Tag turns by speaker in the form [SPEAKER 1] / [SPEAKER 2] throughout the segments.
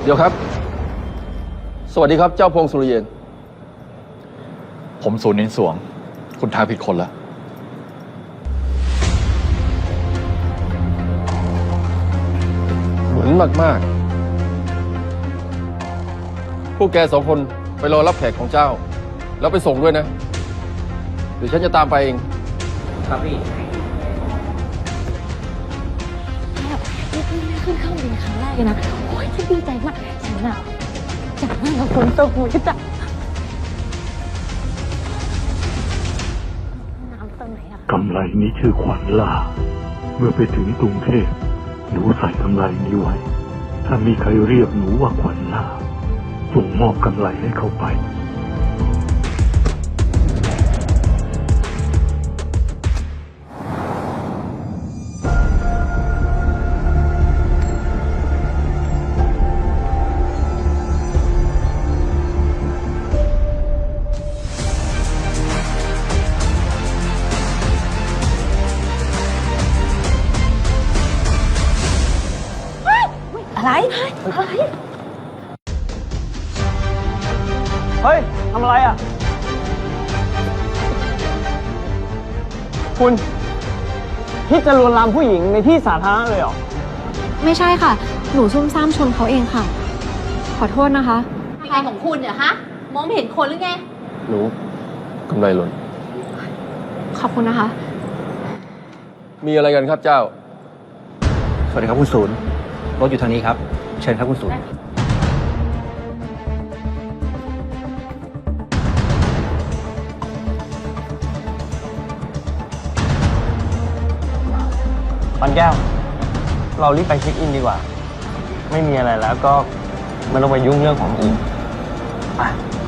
[SPEAKER 1] เดี๋ยวครับ สวัสดีครับเจ้าพงศ์สุริเยน
[SPEAKER 2] ผมศูนย์นินสวง คุณทางผิดคนแล้ว
[SPEAKER 1] เหมือนมากๆพวกแกสองคนไปรอรับแขกของเจ้า แล้วไปส่งด้วยนะเดี๋ยวฉันจะตามไปเองครับพี่
[SPEAKER 3] นี่ขึ้นเครื่องบินครั้งแรกเลยนะโอ้ยฉันดีใจมากฉันอะจะนั่งกับคนตกมือจ้ะน้ำตรงไหนอะคะ
[SPEAKER 4] กำไรนี้ชื่อขวัญล่า เมื่อไปถึงกรุงเทพหนูใส่กำไรนี้ไว้ ถ้ามีใครเรียกหนูว่าขวัญล่าส่งมอบกำไรให้เขาไป
[SPEAKER 3] อะไรอะไร
[SPEAKER 5] เฮ้ย ทำอะไรอ่ะ คุณคิดจะลวนลามผู้หญิงในที่สาธารณะเลยเหรอ
[SPEAKER 6] ไม่ใช่ค่ะ หนูซุ่มซ่ามชนเขาเองค่ะ ขอโทษนะคะ
[SPEAKER 3] อะไรของคุณเนี่ยฮะ มองไม่เห็นคนหรือไง
[SPEAKER 1] หนูกำไรหล่น
[SPEAKER 6] ขอบคุณนะคะ
[SPEAKER 1] มีอะไรกันครับเจ้า
[SPEAKER 7] สวัสดีครับคุณศูนย์รถอยู่ทางนี้ครับ เชิญครับคุณศูนย์
[SPEAKER 5] ปันแก้ว เรารีบไปเช็คอินดีกว่า ไม่มีอะไรแล้วก็ไม่ต้องไปยุ่งเรื่องของอื่นไป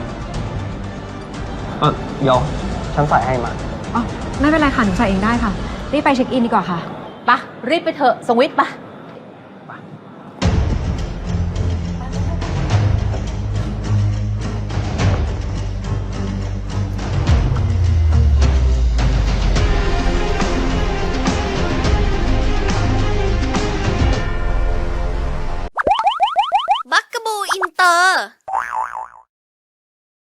[SPEAKER 5] เดี๋ยวฉันใส่ให้มา
[SPEAKER 6] อ๋อ ไม่เป็นไรค่ะ หนูใส่เองได้ค่ะ รีบไปเช็คอินดีกว่าค่ะ
[SPEAKER 3] ปะ รีบไปเถอะ สวิตปะ